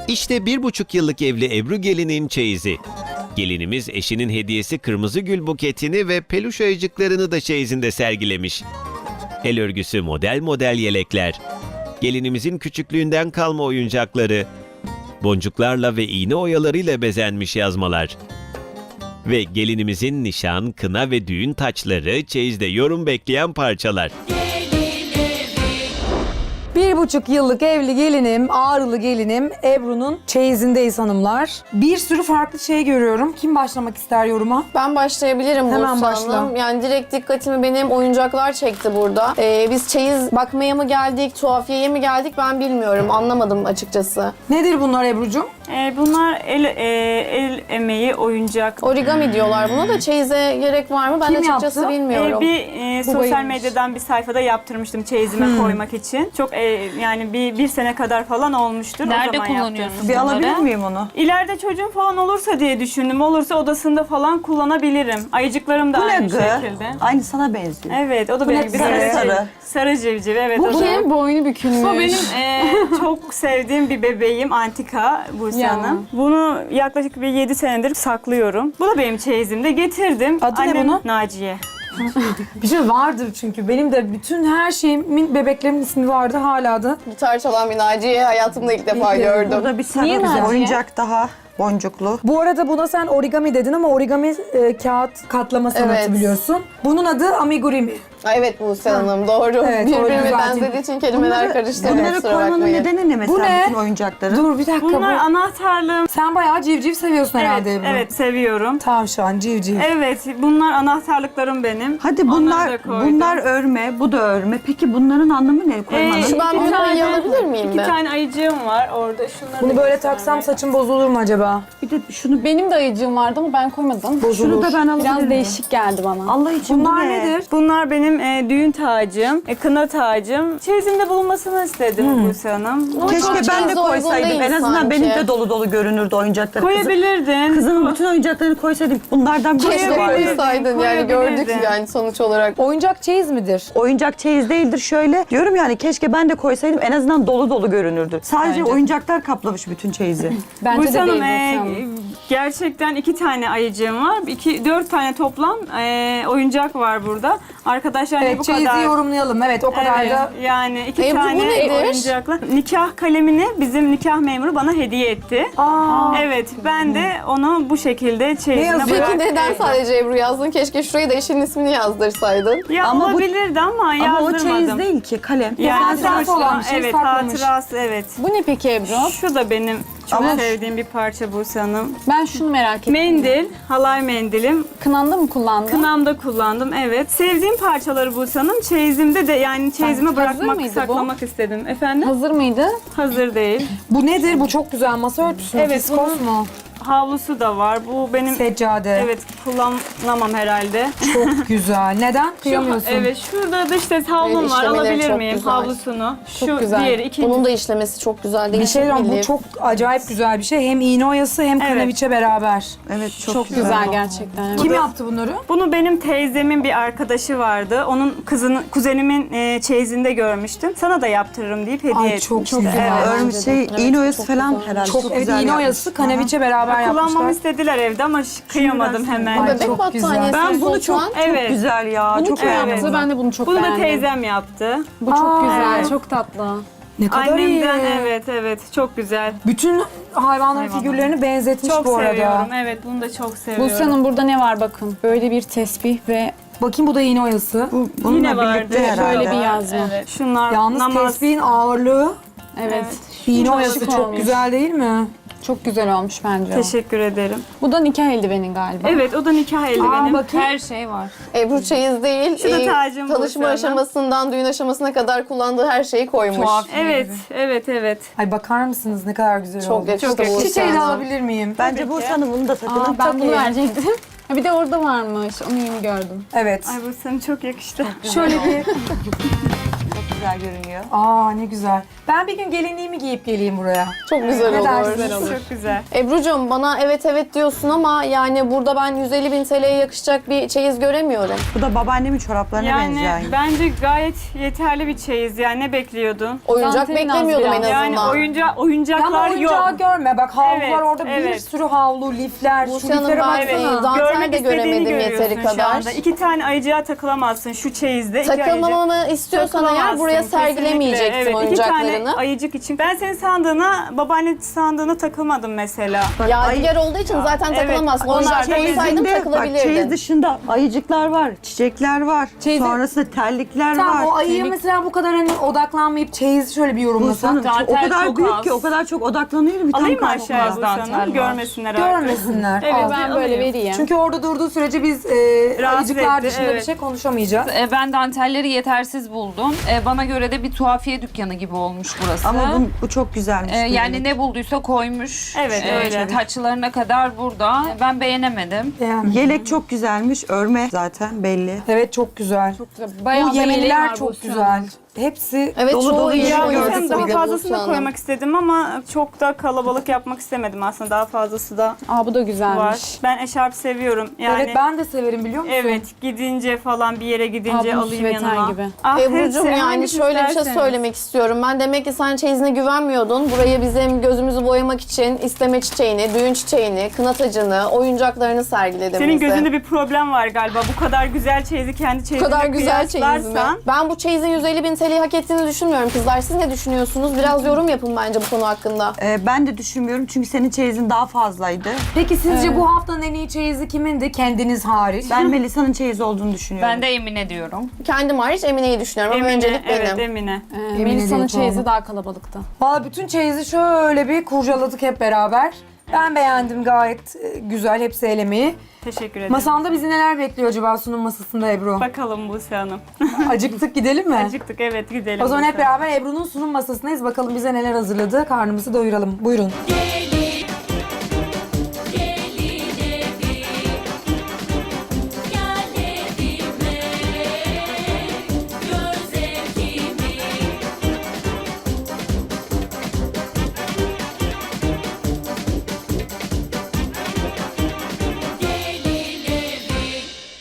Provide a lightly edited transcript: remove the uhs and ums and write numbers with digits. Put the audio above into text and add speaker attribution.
Speaker 1: İşte 1,5 yıllık evli Ebru gelinin çeyizi. Gelinimiz eşinin hediyesi kırmızı gül buketini ve peluş ayıcıklarını da çeyizinde sergilemiş. El örgüsü model model yelekler, gelinimizin küçüklüğünden kalma oyuncakları, boncuklarla ve iğne oyalarıyla bezenmiş yazmalar. Ve gelinimizin nişan, kına ve düğün taçları çeyizde yorum bekleyen parçalar.
Speaker 2: 1,5 yıllık evli gelinim, Ağrılı gelinim Ebru'nun çeyizindeyiz hanımlar. Bir sürü farklı şey görüyorum. Kim başlamak ister yoruma?
Speaker 3: Ben başlayabilirim
Speaker 2: Hemen
Speaker 3: Buse
Speaker 2: başla.
Speaker 3: Hanım. Yani direkt dikkatimi benim oyuncaklar çekti burada. Biz çeyiz bakmaya mı geldik, tuhafiyeye mi geldik ben bilmiyorum. Anlamadım açıkçası.
Speaker 2: Nedir bunlar Ebru'cum?
Speaker 4: Bunlar el emeği oyuncak.
Speaker 3: Origami diyorlar buna da çeyize gerek var mı? Ben
Speaker 2: Kim
Speaker 3: açıkçası
Speaker 2: yaptı?
Speaker 3: bilmiyorum.
Speaker 4: Sosyal
Speaker 2: bayılmış.
Speaker 4: medyadan bir sayfada yaptırmıştım çeyizime koymak için. Çok yani bir sene kadar falan olmuştur.
Speaker 5: Nerede
Speaker 4: o zaman
Speaker 5: kullanıyorsun?
Speaker 4: yaptırmıştım.
Speaker 6: Bir alabilir miyim onu?
Speaker 4: İleride çocuğum falan olursa diye düşündüm. Olursa odasında falan kullanabilirim. Ayıcıklarım da
Speaker 6: Bu ne
Speaker 4: aynı
Speaker 6: gı?
Speaker 4: şekilde.
Speaker 6: Aynı sana benziyor.
Speaker 4: Evet, o da
Speaker 2: Bu
Speaker 4: benim
Speaker 2: ne?
Speaker 4: gibi
Speaker 6: Sarı sarı.
Speaker 4: Sarı civciv, evet.
Speaker 3: Bu
Speaker 4: o da.
Speaker 3: kim?
Speaker 5: Boynu bükülmüş.
Speaker 4: Bu benim çok sevdiğim bir bebeğim, antika Buse
Speaker 5: Ya.
Speaker 4: Hanım. Bunu yaklaşık bir 7 senedir saklıyorum. Bu da benim çeyizimde. Getirdim.
Speaker 2: Adı ne bunun?
Speaker 4: Naciye.
Speaker 2: Bir şey vardır çünkü. Benim de bütün her şeyimin, bebeklerimin ismi vardı hala da.
Speaker 3: Gitar çalan bir Naciye'yi hayatımda ilk defa gördüm.
Speaker 6: Burada bir sarı
Speaker 5: Niye
Speaker 6: bir
Speaker 5: Naciye?
Speaker 6: oyuncak daha boncuklu.
Speaker 2: Bu arada buna sen origami dedin ama origami kağıt katlama sanatı
Speaker 3: Evet.
Speaker 2: biliyorsun. Bunun adı amigurumi.
Speaker 3: Ay evet Buse Hanım doğru.
Speaker 2: Evet, doğru,
Speaker 3: Birbirine
Speaker 2: güzel.
Speaker 3: benzediği için kelimeler karıştı.
Speaker 6: Bunları
Speaker 3: Kusura
Speaker 6: koymanın
Speaker 3: bakmayın.
Speaker 6: nedeni ne mesela
Speaker 2: Bu ne?
Speaker 6: bütün oyuncakları?
Speaker 2: Dur bir dakika
Speaker 4: Bunlar
Speaker 2: bu.
Speaker 4: anahtarlığım.
Speaker 2: Sen bayağı civciv seviyorsun herhalde
Speaker 4: Evet,
Speaker 2: Ebru.
Speaker 4: evet seviyorum.
Speaker 2: Tavşan, civciv.
Speaker 4: Evet, bunlar anahtarlıklarım benim.
Speaker 6: Hadi
Speaker 4: Onları da koydum.
Speaker 6: bunlar örme, bu da örme. Peki bunların anlamı ne koymanın?
Speaker 3: Şu ben
Speaker 4: İki
Speaker 3: büyük
Speaker 4: tane-
Speaker 3: ayı alabilir miyim
Speaker 4: İki
Speaker 3: ben?
Speaker 4: tane ayıcığım var orada. Şunları
Speaker 2: Bunu
Speaker 4: da
Speaker 2: böyle
Speaker 4: göstereyim.
Speaker 2: taksam saçım bozulur mu acaba?
Speaker 6: Bir de şunu
Speaker 5: Benim de ayıcığım vardı ama ben koymadım.
Speaker 6: şunu da ben alabilir
Speaker 5: Biraz
Speaker 6: miyim?
Speaker 5: değişik geldi bana.
Speaker 6: Allah için bu
Speaker 2: Bunlar
Speaker 6: ne?
Speaker 2: nedir?
Speaker 4: Bunlar benim düğün tacım, kına tacım. Çeyizimde bulunmasını istedim Buse Hanım.
Speaker 3: Ama çok
Speaker 6: Keşke ben de
Speaker 3: çeyize uygun
Speaker 6: koysaydım.
Speaker 3: değil
Speaker 6: En azından
Speaker 3: sanki.
Speaker 6: benim de dolu dolu görünürdü oyuncakları.
Speaker 4: Koyabilirdin.
Speaker 6: Kızımın bütün oyuncaklarını koysaydım. Bunlardan bir
Speaker 3: Keşke
Speaker 6: şey vardı.
Speaker 3: koysaydın yani gördük
Speaker 4: koyabilirdin.
Speaker 3: yani sonuç olarak.
Speaker 2: Oyuncak çeyiz midir?
Speaker 6: Oyuncak çeyiz değildir şöyle. Diyorum yani keşke ben de koysaydım en azından dolu dolu görünürdü. Sadece oyuncaklar kaplamış bütün çeyizi.
Speaker 5: Bence
Speaker 4: Buse
Speaker 5: de
Speaker 4: Hanım,
Speaker 5: değil Buse Hanım.
Speaker 4: gerçekten 2 tane ayıcığım var. 4 tane toplam oyuncak var burada. Arkadaşlar
Speaker 2: Evet
Speaker 4: bu
Speaker 2: çeyizi
Speaker 4: kadar.
Speaker 2: yorumlayalım. Evet o kadar
Speaker 4: Evet,
Speaker 2: da.
Speaker 4: yani 2
Speaker 3: Ebru, bu
Speaker 4: tane
Speaker 3: nedir?
Speaker 4: oyuncakla. Nikah kalemini bizim nikah memuru bana hediye etti. Evet, ben de onu bu şekilde çeyizine
Speaker 2: yazıyor?
Speaker 3: Peki
Speaker 4: bıraktım.
Speaker 3: neden sadece Ebru yazdın? Keşke şuraya da eşinin ismini yazdırsaydın.
Speaker 4: Ya
Speaker 6: Ama bu-
Speaker 4: olabilirdi ama
Speaker 6: Ama o
Speaker 4: yazdırmadım.
Speaker 6: çeyiz değil ki kalem.
Speaker 4: Yani
Speaker 2: Hatırası
Speaker 4: sonuçta-
Speaker 2: olan bir şey
Speaker 4: evet,
Speaker 2: saklamış.
Speaker 4: hatırası, evet.
Speaker 5: Bu ne peki Ebru?
Speaker 4: Şu da benim çok
Speaker 6: Ama-
Speaker 4: sevdiğim bir parça Buse Hanım.
Speaker 5: Ben şunu merak ettim.
Speaker 4: Mendil, halay mendilim.
Speaker 5: Kınanda mı kullandın?
Speaker 4: Kınamda kullandım, evet. Sevdiğim parçaları Buse Hanım. Çeyizimde de yani çeyizime
Speaker 5: Hazır
Speaker 4: bırakmak,
Speaker 5: mıydı bu?
Speaker 4: saklamak istedim. Efendim?
Speaker 5: Hazır mıydı?
Speaker 4: Hazır değil.
Speaker 2: Bu nedir? Bu çok güzel. Masa örtüsü mü?
Speaker 4: Evet,
Speaker 2: Fiskos mu?
Speaker 4: Havlusu da var. Bu benim
Speaker 2: Seccade.
Speaker 4: evet kullanamam herhalde.
Speaker 2: Çok güzel. Neden? Kıyamıyorsun.
Speaker 4: Evet, şurada da işte havlum var.
Speaker 3: işlemeleri
Speaker 4: Alabilir
Speaker 3: çok
Speaker 4: miyim
Speaker 3: güzel.
Speaker 4: havlusunu? Şu
Speaker 5: güzel.
Speaker 4: diğeri ikinci.
Speaker 3: Bunun da işlemesi çok güzel değil.
Speaker 2: Bir şey diyeyim, bu çok acayip güzel bir şey. Hem iğne oyası hem
Speaker 4: Evet.
Speaker 2: kanaviçe beraber.
Speaker 6: Evet
Speaker 5: Çok güzel gerçekten. Evet.
Speaker 2: Kim yaptı bunları?
Speaker 4: Bunu benim teyzemin bir arkadaşı vardı. Onun kuzenimin çeyizinde görmüştüm. Sana da yaptırırım deyip hediye
Speaker 2: Ay,
Speaker 4: etmişti.
Speaker 2: çok güzel.
Speaker 4: Evet.
Speaker 6: Örmüş şey iğne oyası falan herhalde.
Speaker 2: Çok, evet,
Speaker 6: güzel
Speaker 2: iğne
Speaker 6: yapmış.
Speaker 2: oyası, kanaviçe beraber
Speaker 4: Kullanmamı
Speaker 2: yapmışlar.
Speaker 4: istediler evde ama kıyamadım hemen.
Speaker 2: Ay,
Speaker 3: Bebek
Speaker 2: çok
Speaker 3: battaniyesi.
Speaker 6: Ben bunu çok
Speaker 4: Evet.
Speaker 6: güzel ya.
Speaker 5: Bunu
Speaker 6: Çok
Speaker 5: kim
Speaker 6: beğendim.
Speaker 5: yaptı? Ben de bunu çok
Speaker 4: Bunu da
Speaker 5: beğendim.
Speaker 4: teyzem yaptı.
Speaker 5: Bu çok güzel,
Speaker 4: evet.
Speaker 5: çok tatlı.
Speaker 2: Ne kadar iyi.
Speaker 4: Annemden evet çok güzel.
Speaker 2: Bütün hayvanların figürlerini benzetmiş
Speaker 4: Çok
Speaker 2: bu arada.
Speaker 4: seviyorum. Evet bunu da çok seviyorum.
Speaker 5: Buse Hanım burada ne var bakın. Böyle bir tesbih ve
Speaker 2: Bakayım bu da iğne oyası.
Speaker 6: Bununla
Speaker 4: Yine vardı.
Speaker 6: birlikte herhalde.
Speaker 5: böyle bir yazma.
Speaker 4: Evet. Şunlar
Speaker 2: Yalnız
Speaker 4: namaz.
Speaker 2: tesbihin ağırlığı,
Speaker 5: Evet.
Speaker 2: iğne
Speaker 5: Çok
Speaker 2: oyası
Speaker 5: şık
Speaker 2: çok
Speaker 5: olmuş.
Speaker 2: güzel değil mi?
Speaker 5: Çok güzel olmuş bence o.
Speaker 4: Teşekkür ederim.
Speaker 5: Bu da nikah eldivenin galiba.
Speaker 4: Evet o da nikah eldivenim.
Speaker 2: bakayım.
Speaker 5: Her şey var.
Speaker 3: Ebru çeyiz değil.
Speaker 4: Şu da tacım
Speaker 3: Tanışma
Speaker 4: Buse Hanım.
Speaker 3: aşamasından düğün aşamasına kadar kullandığı her şeyi koymuş.
Speaker 4: Evet.
Speaker 2: Ay bakar mısınız ne kadar güzel
Speaker 3: Çok
Speaker 2: oldu.
Speaker 3: yakıştı
Speaker 4: Çok
Speaker 3: Buse
Speaker 2: Çiçeği de
Speaker 3: Hanım.
Speaker 2: alabilir miyim?
Speaker 6: Bence bu sana bunu da takılın.
Speaker 5: Aa, ben bunu verecektim. Ha, bir de orada varmış. Onu yeni gördüm.
Speaker 2: Evet.
Speaker 4: Ay bu sana çok yakıştı.
Speaker 2: Şöyle bir
Speaker 6: güzel görünüyor.
Speaker 2: Aa ne güzel. Ben bir gün gelinliğimi giyip geleyim buraya.
Speaker 3: Çok güzel
Speaker 2: Ne
Speaker 3: olur.
Speaker 2: dersiniz?
Speaker 4: Çok güzel.
Speaker 3: Ebru'cum bana evet evet diyorsun ama yani burada ben 150.000 TL'ye yakışacak bir çeyiz göremiyorum.
Speaker 6: Bu da babaannemin çoraplarına benziyor.
Speaker 4: Yani bence gayet yeterli bir çeyiz. Yani ne bekliyordun?
Speaker 3: Oyuncak
Speaker 5: Dantelin az
Speaker 3: beklemiyordum en
Speaker 5: biraz.
Speaker 3: azından.
Speaker 4: Yani
Speaker 2: Ama
Speaker 4: oyuncaklar
Speaker 2: oyuncağı
Speaker 4: yok.
Speaker 2: görme. Bak havlular
Speaker 4: Evet,
Speaker 2: orada bir
Speaker 4: evet.
Speaker 2: sürü havlu, lifler. Şu
Speaker 3: Buse Hanım,
Speaker 2: liflere
Speaker 3: ben
Speaker 2: baksana.
Speaker 3: dantel
Speaker 4: Görmek
Speaker 3: de
Speaker 4: istediğini
Speaker 3: göremedim yeteri
Speaker 4: görüyorsun şu
Speaker 3: kadar.
Speaker 4: anda. 2 tane ayıcığa takılamazsın şu çeyizde. İki
Speaker 3: Takılmamamı
Speaker 4: ayıcık.
Speaker 3: istiyorsan eğer
Speaker 4: Takılamazsın,
Speaker 3: buraya
Speaker 4: kesinlikle.
Speaker 3: sergilemeyecektim
Speaker 4: Evet, 2
Speaker 3: oyuncaklarını.
Speaker 4: tane ayıcık için. Ben senin sandığına, babaanne sandığına takılmadım mesela.
Speaker 3: Yadigar olduğu için zaten
Speaker 4: Evet,
Speaker 3: takılamazsın.
Speaker 4: onlar
Speaker 3: Oyuncak koysaydım
Speaker 6: Çeyizinde, bak çeyiz
Speaker 3: takılabilirdin.
Speaker 6: dışında ayıcıklar var, çiçekler var.
Speaker 5: Çeyizi-
Speaker 6: Sonrasında terlikler
Speaker 2: Tamam
Speaker 6: var.
Speaker 2: o ayıya mesela bu kadar hani odaklanmayıp çeyizi şöyle bir
Speaker 6: Bu
Speaker 2: yorumlasak.
Speaker 6: sanırım o
Speaker 5: Dantel
Speaker 6: kadar
Speaker 5: çok
Speaker 6: büyük
Speaker 5: az.
Speaker 6: ki o kadar çok odaklanıyor bir tam
Speaker 4: Alayım mı
Speaker 6: kalkmaz.
Speaker 4: aşağıya bu
Speaker 5: dantel
Speaker 4: sana?
Speaker 5: var.
Speaker 4: Görmesinler artık.
Speaker 2: Görmesinler.
Speaker 4: Evet,
Speaker 2: Al.
Speaker 5: Ben böyle
Speaker 4: alayım.
Speaker 5: vereyim.
Speaker 2: Çünkü orada durduğu sürece biz
Speaker 4: Rahatsız
Speaker 2: ayıcıklar
Speaker 4: etti,
Speaker 2: dışında bir
Speaker 4: evet.
Speaker 2: şey konuşamayacağız.
Speaker 7: Ben dantelleri yetersiz buldum. Bana göre de bir tuhafiye dükkanı gibi olmuş burası.
Speaker 6: Ama bu çok güzelmiş.
Speaker 7: Yani ne bulduysa koymuş.
Speaker 4: Evet, öyle.
Speaker 7: Taçlarına kadar burada. Ben beğenemedim.
Speaker 2: Yani.
Speaker 6: Yelek çok güzelmiş, örme zaten belli.
Speaker 2: Evet çok güzel.
Speaker 5: Bayağı
Speaker 2: Bu
Speaker 5: da yeleği
Speaker 2: yemeniler
Speaker 5: var
Speaker 2: çok
Speaker 5: Buse
Speaker 2: güzel.
Speaker 5: Hanım.
Speaker 2: Hepsi
Speaker 3: Evet
Speaker 6: Dolu
Speaker 3: çoğu
Speaker 6: dolu
Speaker 3: iyi
Speaker 6: yer
Speaker 3: oyuncak
Speaker 6: gördük
Speaker 4: Daha
Speaker 3: bir de
Speaker 4: fazlasını
Speaker 3: Buse
Speaker 4: da
Speaker 3: Hanım.
Speaker 4: koymak istedim ama çok da kalabalık yapmak istemedim aslında. Daha fazlası da
Speaker 5: Aa bu da güzelmiş.
Speaker 4: var. Ben eşarp seviyorum. Yani
Speaker 2: evet ben de severim biliyor musun?
Speaker 4: evet, gidince falan bir yere gidince
Speaker 5: Aa, bu
Speaker 4: alayım
Speaker 5: süveter
Speaker 4: yanıma.
Speaker 5: gibi.
Speaker 4: Ah,
Speaker 3: Ebru'cum
Speaker 4: hepsi,
Speaker 3: yani
Speaker 4: hangisi
Speaker 3: şöyle bir şey
Speaker 4: isterseniz.
Speaker 3: söylemek istiyorum. Ben demek ki sen çeyizine güvenmiyordun. Buraya bizim gözümüzü boyamak için isteme çiçeğini, düğün çiçeğini, kına tacını, oyuncaklarını sergiledim
Speaker 4: Senin
Speaker 3: bize.
Speaker 4: gözünde bir problem var galiba. Bu kadar güzel çeyizi kendi
Speaker 3: Bu
Speaker 4: çeyizine
Speaker 3: kadar güzel çeyiz mi?
Speaker 4: kıyaslarsan.
Speaker 3: Ben bu çeyizin 150.000 TL'yi hak ettiğini düşünmüyorum kızlar. Siz ne düşünüyorsunuz? Biraz yorum yapın bence bu konu hakkında.
Speaker 6: Ben de düşünmüyorum çünkü senin çeyizin daha fazlaydı.
Speaker 2: Peki sizce bu haftanın en iyi çeyizi kimindi? Kendiniz hariç.
Speaker 6: Ben Melisa'nın çeyizi olduğunu düşünüyorum.
Speaker 7: Ben de Emine diyorum.
Speaker 3: Kendim hariç Emine'yi düşünüyorum ama
Speaker 4: Emine,
Speaker 3: öncelik benim.
Speaker 4: evet Emine.
Speaker 5: Melisa'nın
Speaker 2: diye
Speaker 5: çeyizi
Speaker 2: puanı.
Speaker 5: daha kalabalıktı.
Speaker 2: Valla bütün çeyizi şöyle bir kurcaladık hep beraber. Ben beğendim gayet güzel hepsi elemeyi.
Speaker 4: Teşekkür ederim.
Speaker 2: Masanda bizi neler bekliyor acaba sunum masasında Ebru?
Speaker 4: Bakalım Buse Hanım.
Speaker 2: Acıktık gidelim mi?
Speaker 4: Acıktık, evet gidelim.
Speaker 2: O zaman
Speaker 4: Buse
Speaker 2: hep beraber Ebru'nun sunum masasındayız. Bakalım bize neler hazırladı. Karnımızı doyuralım. Buyurun.